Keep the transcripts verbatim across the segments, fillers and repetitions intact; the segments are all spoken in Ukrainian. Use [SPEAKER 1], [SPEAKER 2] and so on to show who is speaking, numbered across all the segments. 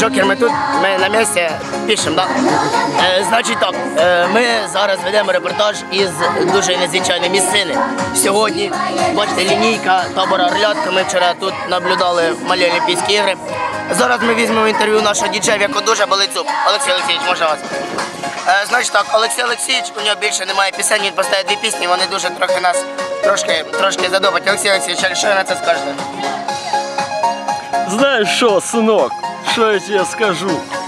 [SPEAKER 1] Джокер, ми тут, ми на місці пишемо, так? Е, значить так, е, ми зараз ведемо репортаж із дуже незвичайної місцини. Сьогодні, бачите, лінійка табора Орлятка, ми вчора тут наблюдали малі Олімпійські ігри. Зараз ми візьмемо інтерв'ю нашого діджея, в якого дуже болить зуб. Олексій Олексійович, можна вас? Е, значить так, Олексій Олексійович, у нього більше немає пісень, він поставить дві пісні, вони дуже трохи нас, трошки, трошки задобать. Олексій Олексійович, що ви на це скажете?
[SPEAKER 2] Знаешь что, сынок, что я тебе скажу?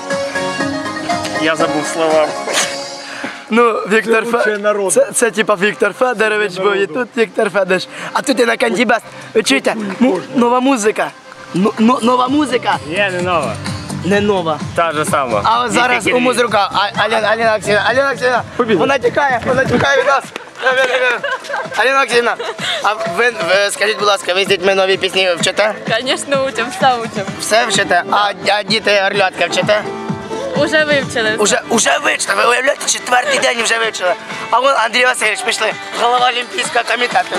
[SPEAKER 2] Я забыл слова.
[SPEAKER 1] Ну, Віктор
[SPEAKER 2] Це лучший народ.
[SPEAKER 1] Федорович, це, це типа Віктор Федорович був, і тут Віктор Федорович. А тут і на Кандібест. Ви чуєте? Ну, нова музика. Ну, ну, нова музика.
[SPEAKER 2] Не, не нова.
[SPEAKER 1] Не нова.
[SPEAKER 2] Та же сама.
[SPEAKER 1] А от зараз у музрука. А- Аліна, Аліна Олексіївна, Аліна Олексіївна,
[SPEAKER 2] Побігли.
[SPEAKER 1] вона тікає, вона тікає від нас. Аліна Олексіївна, а ви, ви скажіть, будь ласка, ви з дітьми нові пісні вчите?
[SPEAKER 3] Конечно, учим, все учим.
[SPEAKER 1] Все вчите? А, а діти Орлятка вчите?
[SPEAKER 3] Уже вивчили.
[SPEAKER 1] Уже, уже вивчили, ви уявляєте, четвертий день вже вивчили. А вон Андрій Васильович пішли, голова Олімпійського комітету.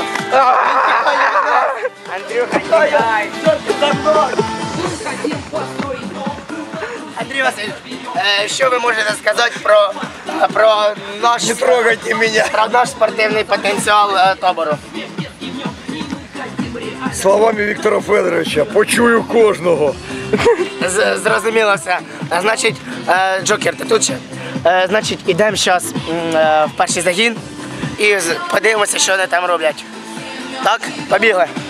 [SPEAKER 1] Андрюха, тікай. Андрій Васильович, е, що ви можете сказати про, про наш,
[SPEAKER 4] Не трогайте меня.
[SPEAKER 1] про наш спортивний потенціал е, табору?
[SPEAKER 4] Словами Віктора Федоровича, почую кожного.
[SPEAKER 1] З- Зрозуміло все. А, Значить, е, Джокер, ти тут ще? Е, Значить, ідемо зараз в перший загін і з- подивимося, що вони там роблять. Так? Побігли.